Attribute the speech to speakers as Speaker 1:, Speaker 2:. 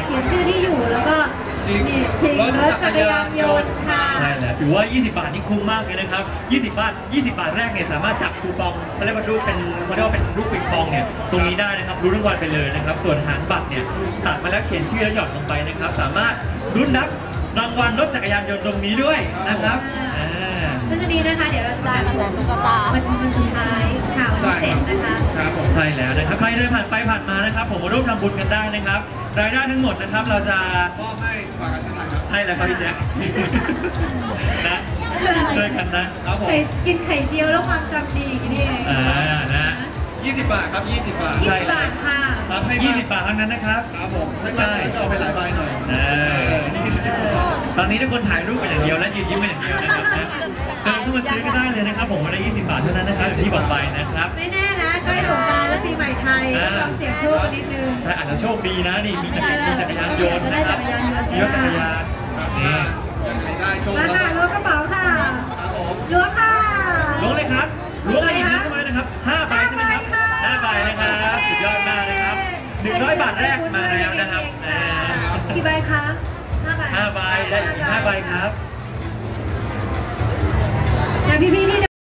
Speaker 1: ขียนชื่อที่อยู่แล้วก็ชิงรถจักรยานยนต์ค่ะ
Speaker 2: ใช่แล้วถือว่า20 บาทนี่คุ้มมากเลยนะครับ20 บาทแรกเนี่ยสามารถจับคูปองเขาเรียกว่ารูปเป็นรูปปิงปองเนี่ยตรงนี้ได้นะครับรู้รางวัลไปเลยนะครับส่วนหางบัตรเนี่ยตัดมาแล้วเขียนชื่อแล้วหย่อนลงไปนะครับสามารถลุ้นรับรางวัลรถจักรยานยนต์ตรงนี้ด้วยนะครับ
Speaker 1: ซึ่งอันนี้นะคะเดี๋ยวเราจะได้มาแจกตุ๊กตาวันสุดท้ายข่าวที่7นะคะ
Speaker 2: ครับผมใช่แล้วนะครับใครเดินผ่านไปผ่านมานะครับผมมาร่วมทำบุญกันได้นะครับรายได้ทั้งหมดนะครับเราจะมอบให้ฝากกันเท่าไหร่ครับใช่แล้วครับพี่แจ๊คนะช่วยกันนะครับผม
Speaker 1: กินไข่เจียวแล้วความจำดีนี่เอง
Speaker 2: นะ20 บาทครับ20 บาท
Speaker 1: 20 บาทค่ะ
Speaker 2: รับให้20 บาทเท่านั้นนะครับครับผมใช่จะเอาไปหลายใบหน่อยตอนนี้ทุกคนถ่ายรูปกันอย่างเดียวและยืนยิ้มกันอย่างเดียวนะครับเดินเข้ามาซื้อก็ได้เลยนะครับผมวันละ20 บาทเท่านั้นนะครับอย่างที่บอกไปนะครับ
Speaker 1: ไม่แน่นะใกล้สงกรานต์และปีใหม่ไทยต้องเสี่ยงโชคนิดนึง
Speaker 2: แต่อาจจะโชคดีนะนี่มีจักรยานยนต์นะครับมีรถจักรยานนี่
Speaker 1: ได้โชคแล้วค่ะล้วงกระเป๋าค่ะล้วงค่ะ
Speaker 2: ล้วงเลยครับล้วงอะไรอีกนะใช่ไหมนะครับ5 ใบใช่ไหมครับ5 ใบนะครับสุดยอดมากเลยครับ100 บาทแรกมาแล้วนะครับ
Speaker 1: กี่ใบคะ
Speaker 2: 5 ใบได้อีก5 ใบครับ
Speaker 1: พี่ๆ